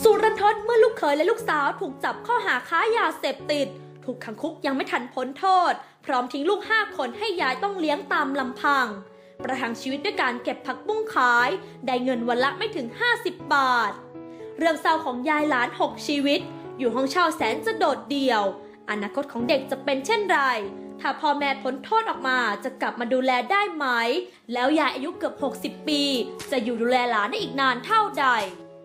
สุดรันทดเมื่อลูกเขยและลูกสาวถูกจับข้อหาค้ายาเสพติดถูกขังคุกยังไม่ทันพ้นโทษพร้อมทิ้งลูก5 คนให้ยายต้องเลี้ยงตามลำพังประทังชีวิตด้วยการเก็บผักบุ้งขายได้เงินวันละไม่ถึง50 บาทเรื่องเศร้าของยายหลาน6 ชีวิตอยู่ห้องเช่าแสนจะโดดเดี่ยวอนาคตของเด็กจะเป็นเช่นไรถ้าพ่อแม่พ้นโทษออกมาจะกลับมาดูแลได้ไหมแล้วยายอายุเกือบ60 ปีจะอยู่ดูแลหลานได้อีกนานเท่าใด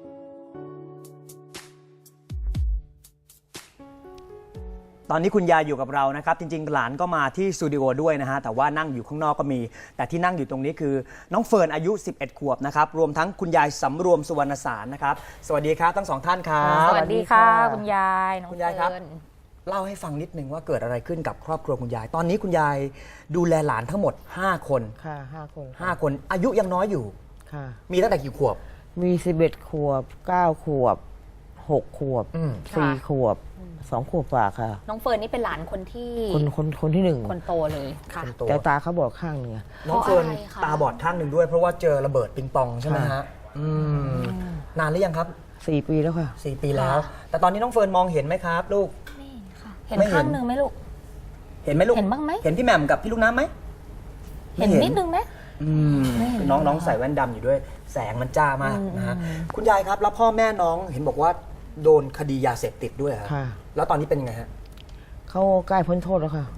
ตอนนี้คุณยายอยู่กับเรานะครับจริงๆหลานก็มาที่สตูดิโอด้วยนะฮะแต่ว่านั่งอยู่ข้างนอกก็มีแต่ที่นั่งอยู่ตรงนี้คือน้องเฟิร์นอายุ11 ขวบนะครับรวมทั้งคุณยายสำรวมสุวรรณสารนะครับสวัสดีครับทั้ง2 ท่านครับสวัสดีค่ะคุณยายน้องคุณยายครับเฟิร์นเล่าให้ฟังนิดนึงว่าเกิดอะไรขึ้นกับครอบครัวคุณยายตอนนี้คุณยายดูแลหลานทั้งหมด5 คนค่ะ5 คน 5 คนอายุยังน้อยอยู่ค่ะมีตั้งแต่กี่ขวบมี11 ขวบ 9 ขวบ 6 ขวบ 4 ขวบ 2 ขวบกว่าค่ะน้องเฟิร์นนี่เป็นหลานคนที่คนที่หนึ่งคนโตเลยค่ะคนโตแต่ตาเขาบอกข้างหนึ่งอะน้องเฟิร์นเพราะอะไรคะตาบอดข้างหนึ่งด้วยเพราะว่าเจอระเบิดปิงปองใช่ไหมค่ะฮะนานหรือยังครับ 4 ปีแล้วค่ะ 4 ปีแล้ว แต่ตอนนี้น้องเฟิร์นมองเห็นไหมครับลูกเห็นไม่เห็นข้างหนึ่งไหมลูกเห็นไหมลูกเห็นบ้างไหมเห็นพี่แหม่มกับพี่ลูกน้ำไหมเห็นนิดนึงไหม ไม่เห็นน้องใส่แว่นดำอยู่ด้วยแสงมันจ้ามากนะฮะคุณยายครับแล้วพ่อแม่น้องเห็นบอกว่าโดนคดียาเสพติดด้วยครับค่ะแล้วตอนนี้เป็นยังไงฮะเขาใกล้พ้นโทษแล้วค่ะ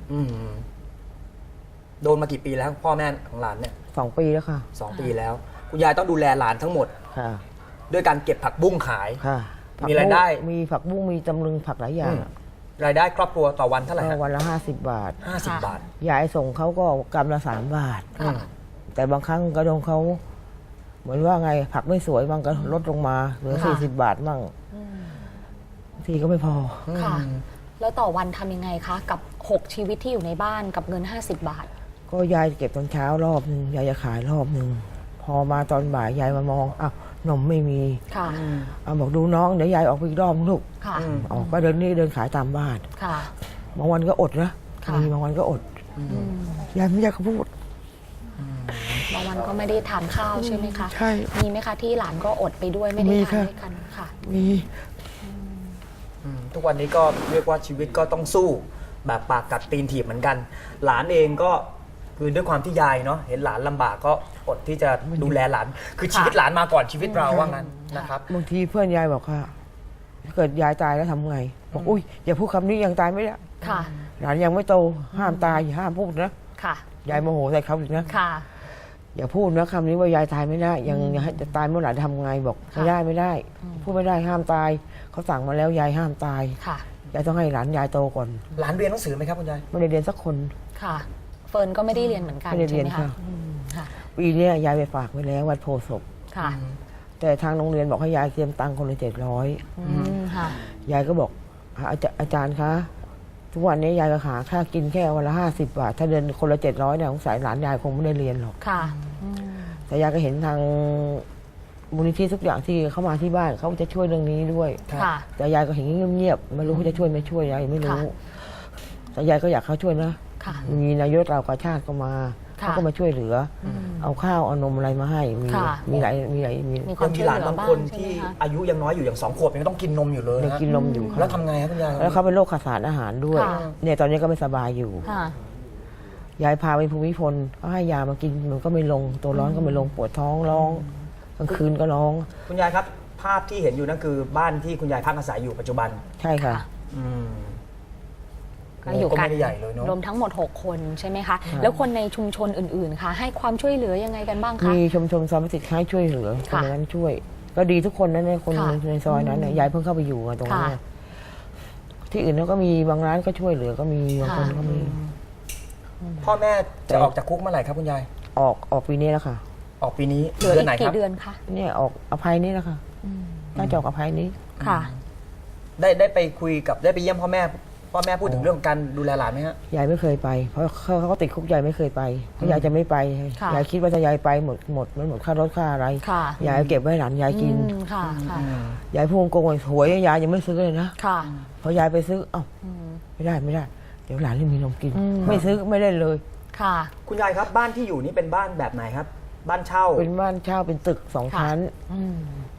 โดนมากี่ปีแล้วพ่อแม่ของหลานเนี่ย 2 ปีแล้วค่ะ 2 ปีแล้ว คุณยายต้องดูแลหลานทั้งหมดค่ะด้วยการเก็บผักบุ้งขายค่ะมีรายได้มีผักบุ้งมีตำลึงผักหลายอย่างอะรายได้ครอบครัวต่อวันเท่าไหร่ก็ฮะวันละ50 บาท 50 บาทยายส่งเขาก็กำละ3 บาทค่ะแต่บางครั้งกระดงเขาเหมือนว่าไงผักไม่สวยบางก็ลดลงมาเหลือค่ะ 40 บาทมั่งทีก็ไม่พอค่ะ แล้วต่อวันทำยังไงคะ กับ 6 ชีวิตที่อยู่ในบ้านกับเงิน 50 บาทก็ยายเก็บตอนเช้ารอบนึงยายจะขายรอบนึงพอมาตอนบ่ายยายมามองอ้าวนมไม่มีค่ะเอาบอกดูน้องเดี๋ยวยายออกไปอีกรอบนึงลูกค่ะออกก็เดินนี่เดินขายตามบ้านค่ะบางวันก็อดนะค่ะมีบางวันก็อดยายไม่อยากเขาพูดบางวันก็ไม่ได้ทานข้าวใช่ไหมคะใช่มีไหมคะที่หลานก็อดไปด้วยไม่ได้มีทานค่ะด้วยกันค่ะมีทุกวันนี้ก็เรียกว่าชีวิตก็ต้องสู้แบบปากกัดตีนถีบเหมือนกัน หลานเองก็คือด้วยความที่ยายเนาะเห็นหลานลำบากก็อดที่จะดูแลหลาน คือชีวิตหลานมาก่อนชีวิตเราว่างั้นนะครับบางทีเพื่อนยายบอกว่าถ้าเกิดยายตายแล้วทำไงบอกอุ้ยอย่าพูดคำนี้ยังตายไม่ได้ค่ะหลานยังไม่โตห้ามตายอย่าห้ามพูดนะค่ะยายโมโหใส่เขาอีกนะค่ะอย่าพูดนะคำนี้ว่ายายตายไม่ได้ยังให้จะตายเมื่อไหร่ทำไงบอกไม่ได้ไม่ได้ พูดไม่ได้ห้ามตายเขาสั่งมาแล้วยายห้ามตายค่ะยายต้องให้หลานยายโตก่อนหลานเรียนหนังสือไหมครับคุณยายไม่ได้เรียนสักคนค่ะ เฟิร์นก็ไม่ได้เรียนเหมือนกันไม่ได้เรีใช่ยนไหมค่ะคะค่ะปีเนี้ยยายไปฝากไว้แล้ววัดโพธิ์ศพค่ะแต่ทางโรงเรียนบอกให้ยายเตรียมตังค์คนละค่ะ 700ยายก็บอกอาจารย์คะทุกวันนี้ยายก็หาค่ากินแค่วันละ50 บาทถ้าเดินคนละ700เนี่ยสงสัยหลานยายคงไม่ได้เรียนหรอกค่ะแต่ยายก็เห็นทางมูลนิธิทุกอย่างที่เข้ามาที่บ้านเขาจะช่วยเรื่องนี้ด้วยค่ะแต่ยายก็เห็นเงียบๆไม่รู้เขาจะช่วยไม่ช่วยยายไม่รู้ค่ะแต่ยายก็อยากเขาช่วยนะค่ะมีนายกเรากาชาติก็มาค่ะเขาก็มาช่วยเหลืออเอาข้าวเอานมอะไรมาให้ค่ะมีหลายมีมีควายัมงมีช่วยหเหลานลือบางบ้างคนใช่ที่ไหมคะอายุยังน้อยอยู่อย่าง2 ขวบยังต้องกินนมอยู่เลยยังนะกินนมอยู่แล้วทำไงครับคุณยายแล้วเขาเป็นโรคขาดสารอาหารด้วยค่ะเนี่ยตอนนี้ก็ไม่สบายอยู่ค่ะยายพาไปภูมิพลก็ให้ยามากินมันก็ไม่ลงตัวร้อนก็ไม่ลงปวดท้องร้องกลางคืนก็ร้องคุณยายครับ ภาพที่เห็นอยู่นั่นคือบ้านที่คุณยายพักอาศัยอยู่ปัจจุบันใช่ค่ะอืมก็อยู่ก็กันไม่ได้ใหญ่เลยเนาะรวมทั้งหมด 6 คนใช่ไหมคะ แล้วคนในชุมชนอื่นๆ ค่ะ ให้ความช่วยเหลือยังไงกันบ้างคะมีชมซอยพิสิทธิ์ให้ช่วยเหลือคนค่ะนั้นช่วย ก็ดีทุกคนนะเนี่ยคนค่ะในซอยนั้นเนี่ยยายเพิ่งเข้าไปอยู่อะตรงนี้ค่ะที่อื่นเขาก็มีบางร้านก็ช่วยเหลือก็มีบางคนก็มีพ่อแม่จะออกจากคุกเมื่อไหร่ครับคุณยายออกปีนี้แล้วค่ะออกปีนี้เหลือเดืออีนไหนกครักี่บเดือนคะเนี่ยออกอภัยนี้แล้วค่ะน่าจะออกอภัยนี้ค่ะได้ไปคุยกับได้ไปเยี่ยมพ่อแม่พูดถึงเรื่องการดูแลหลานไหมฮะยายไม่เคยไป เพราะเขาติดคุกยายไม่เคยไปเพราะยายจะไม่ไปค่ะยายคิดว่าถ้ายายไปหมดมันหมดค่ารถค่าอะไรค่ะยายเก็บไว้ให้หลานยายกินค่ะค่ะยายพูดโกงหวยยายยังไม่ซื้อเลยนะค่ะพอยายไปซื้อเอ้าไม่ได้เดี๋ยวหลานไม่มีนมกิน ไม่ซื้อไม่ได้เลยค่ะคุณยายครับบ้านที่อยู่นี่เป็นบ้านแบบไหนครับ บ้านเช่าเป็นบ้านเช่าเป็นตึก2 ชั้นเ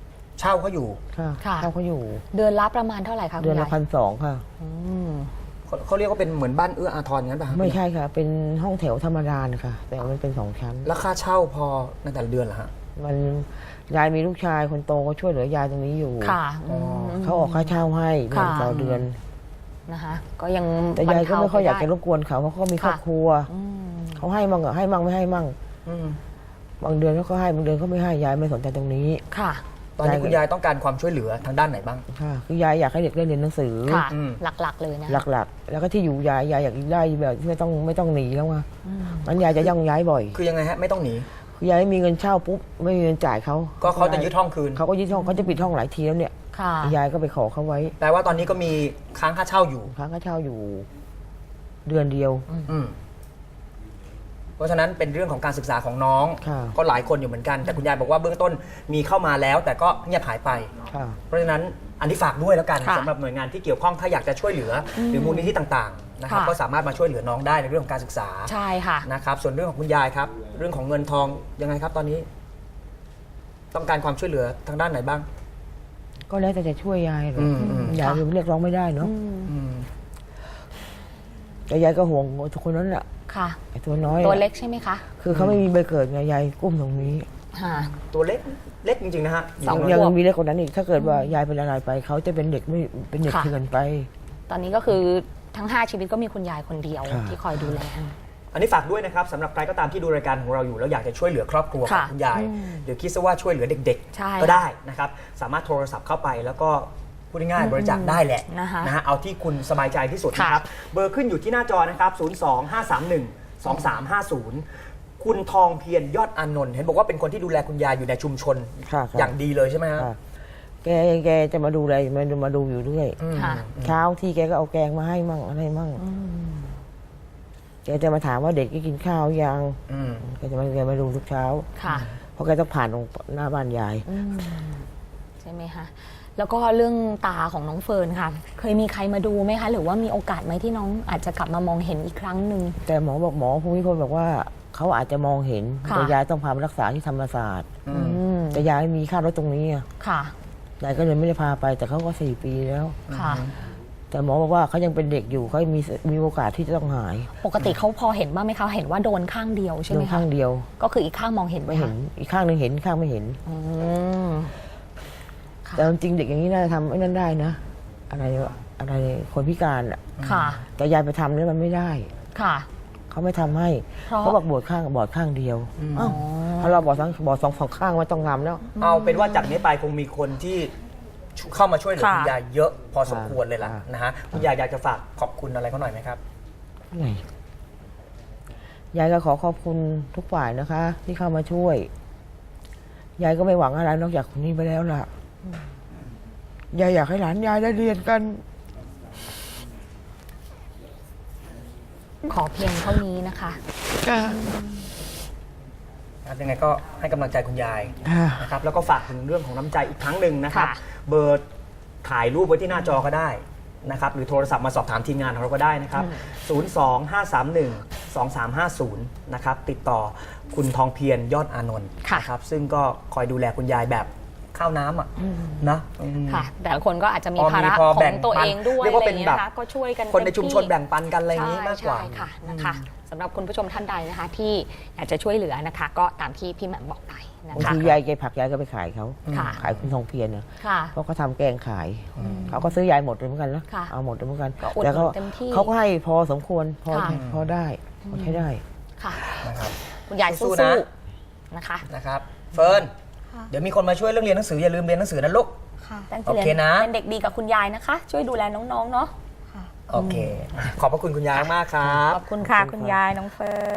เช่าเขาอยู่ค่ะค่ะเช่าเขาอยู่เดือนละประมาณเท่าไหร่คะคุณเดือนละยาย 1,200 ค่ะอืมเขาเรียกว่าเป็นเหมือนบ้านเอื้ออาทรงั้นป่ะครับไม่ใช่ค่ะ เป็นห้องแถวธรรมดานะคะ แต่มันเป็น2 ชั้นแล้วค่าเช่าพอในแต่ละเดือนเหรอฮะมันยายมีลูกชายคนโตก็ช่วยเหลือยายตรงนี้อยู่ค่ะอ๋อเขาออกค่าเช่าให้เดือนค่ะต่อเดือนนะคะ ก็ยังแต่ยายก็ไม่ค่อยอยากจะรบรรบกวนเขาเพราะเขามีครอบครัวอืมเขาให้มั่งอะให้มั่งไม่ให้มั่งอืมบางเดือนเขาก็ให้บางเดือนเขาไม่ให้ยายไม่สนใจตรงนี้ค่ะตอนนี้คุณยายต้องการความช่วยเหลือทางด้านไหนบ้างค่ะคือยายอยากให้เด็กได้เรียนหนังสือค่ะอืมหลักๆเลยนะหลักๆ แล้วก็ที่อยู่ยายอยากได้แบบที่ไม่ต้องหนีแล้วไงมันยายจะย่องย้ายบ่อยคือยังไงฮะไม่ต้องหนีคือยายไม่มีเงินเช่าปุ๊บไม่มีเงินจ่ายเขาก็เขาจะยึดห้องคืนเขาก็ยึดห้องเขาจะปิดห้องหลายทีแล้วเนี่ยค่ะยายก็ไปขอเขาไว้แปลว่าตอนนี้ก็มีค้างค่าเช่าอยู่ค้างค่าเช่าอยู่เดือนเดียวอืมเพราะฉะนั้นเป็นเรื่องของการศึกษาของน้องค่ะก็หลายคนอยู่เหมือนกัน แต่คุณยายบอกว่าเบื้องต้นมีเข้ามาแล้ว แต่ก็เงียบหายไปค่ะเพราะฉะนั้นอันนี้ฝากด้วยแล้วกันค่ะสำหรับหน่วยงานที่เกี่ยวข้องถ้าอยากจะช่วยเหลืออหรือมูลนิธิต่างๆนะครับค่ะก็สามารถมาช่วยเหลือน้องได้ในเรื่องของการศึกษาใช่ค่ะนะครับส่วนเรื่องของคุณยายครับ เรื่องของเงินทองยังไงครับตอนนี้ ต้องการความช่วยเหลือทางด้านไหนบ้างก็แล้วแต่จะช่วยยายเลยอืมยายเรียกร้องไม่ได้เนาะอืมแต่ยายก็ห่วงทุกคนนั้นแหละค่ะไอ้ตัวน้อยตัวน่ะเล็กใช่ไหมคะคือเขาไม่มีใบเกิดไงยายกุ้มตรงนี้ค่ะตัวเล็กเล็กจริงๆนะฮะสองยังขวบมีเล็กกว่านั้นอีกถ้าเกิดว่ายายเป็นอะไรไปเขาจะเป็นเด็กไม่เป็นเด็กค่ะเถื่อนไปตอนนี้ก็คือทั้ง 5 ชีวิตก็มีคุณยายคนเดียวค่ะที่คอยดูแลอันนี้ฝากด้วยนะครับสำหรับใครก็ตามที่ดูรายการของเราอยู่แล้วอยากจะช่วยเหลือครอบครัวของค่ะคุณยาย หรือคิดซะว่าช่วยเหลือเด็กใช่ๆ ก็ได้นะครับสามารถโทรศัพท์เข้าไปแล้วก็พูดง่ายๆบริจาคได้แหละนะคะนะฮะเอาที่คุณสบายใจที่สุดค่ะนะครับ เบอร์ขึ้นอยู่ที่หน้าจอนะครับ 025312350 คุณทองเพียรยอดอานนท์เห็นบอกว่าเป็นคนที่ดูแลคุณยายอยู่ในชุมชนค่ะอย่างดีเลยใช่ไหมฮะค่ะแกจะมาดูอะไรมาดูอยู่เรื่อยค่ะเช้าที่แกก็เอาแกงมาให้มั่งอะไรมั่งแกจะมาถามว่าเด็กได้กินข้าวยังอืมแกมาดูทุกเช้าค่ะเพราะแกต้องผ่านตรงหน้าบ้านยายใช่ไหมคะ แล้วก็เรื่องตาของน้องเฟิร์นค่ะ เคยมีใครมาดูไหมคะ หรือว่ามีโอกาสไหมที่น้องอาจจะกลับมามองเห็นอีกครั้งหนึ่งแต่หมอภูมิพลบอกว่าเขาอาจจะมองเห็นค่ะแต่ยายต้องพาไปรักษาที่ธรรมศาสตร์อืมอืมแต่ยายไม่มีค่ารถตรงนี้อะค่ะยายก็เลยไม่ได้พาไป แต่เขาก็4 ปีแล้วค่ะแต่หมอบอกว่าเขายังเป็นเด็กอยู่เขามีโอกาสที่จะต้องหายปกติเขาพอเห็นบ้างไหมคะ เห็นว่าโดนข้างเดียวใช่ไหโดมนคะข้างเดียวก็คืออีกข้างมองเห็นไหมไม่เห็คะนอีกข้างหนึ่งเห็นอีกข้างไม่เห็นอืม ค่ะแต่จริงๆเด็กอย่างนี้น่าจะทำไอ้นั่นได้นะ อะไรคนพิการอ่ะค่ะแต่ยายไปทำเนี่ยมันไม่ได้ค่ะเขาไม่ทำให้เพราะเขาบอกบอดข้างเดียวอ้าวถ้าเราบอดสองข้างไม่ต้องทำแล้วเอาเป็นว่าจากนี้ไปคงมีคนที่เข้ามาช่วยเหลือค่ะคุณยายเยอะพอสมควรเลยล่ะค่ะนะฮะคุณยายอยากจะฝากขอบคุณอะไรเขาหน่อยไหมครับไงยายก็ขอขอบคุณทุกฝ่ายนะคะ ที่เข้ามาช่วย ยายก็ไม่หวังอะไรนอกจากคนนี้ไปแล้วล่ะ ยายอยากให้หลานยายได้เรียนกันขอเพียงเท่านี้นะคะยังไงก็ให้กำลังใจคุณยายค่ะนะครับแล้วก็ฝากถึงเรื่องของน้ำใจอีกครั้งหนึ่งนะครับค่ะเบอร์ถ่ายรูปไว้ที่หน้าจอก็ได้นะครับหรือโทรศัพท์มาสอบถามทีมงานของเราก็ได้นะครับ 025312350 นะครับติดต่อคุณทองเพียรยอดอานนท์ค่ะนะครับซึ่งก็คอยดูแลคุณยายแบบข้าวน้ำอ่ะนะอืมค่ะ แต่ละคนก็อาจจะมีพอภาระพอขอแบ่งงตัวปันเองด้วยเรียกว่าเป็นอะไรแบงี้บนะคะก็ช่วยกันคนในเต็มชุมชนที่แบ่งปันกันอะไรอย่างนี้มากกว่าใช่ค่ะนะคะสำหรับคุณผู้ชมท่านใดนะคะ ที่อยากจะช่วยเหลือนะคะ ก็ตามที่พี่แหม่มบอกไปนะบางคะทียายแกผักยายก็ไปขายเขาค่ะขายคุณทองเพียรนะค่ะเพราะเขาทำแกงขาย เขาก็ซื้อยายหมดเลยเหมือนกันนะค่ะเอาหมดเลยเหมือนกันก็อุดหนุนแต่ก็เต็มที่เขาก็ให้พอสมควรพอค่ะพอได้พอใช้ได้ค่ะนะครับคุณยายสู้สู้ๆนะๆนะคะนะครับเฟิร์นเดี๋ยวมีคนมาช่วยเรื่องเรียนหนังสืออย่าลืมเรียนหนังสือนะลูกตั้งใจโอเคนะเป็นเด็กดีกับคุณยายนะคะ ช่วยดูแลน้องๆเนาะโอเค ขอบพระคุณคุณยายมากครับขอบคุณค่ะคุณยายน้องเฟิร์น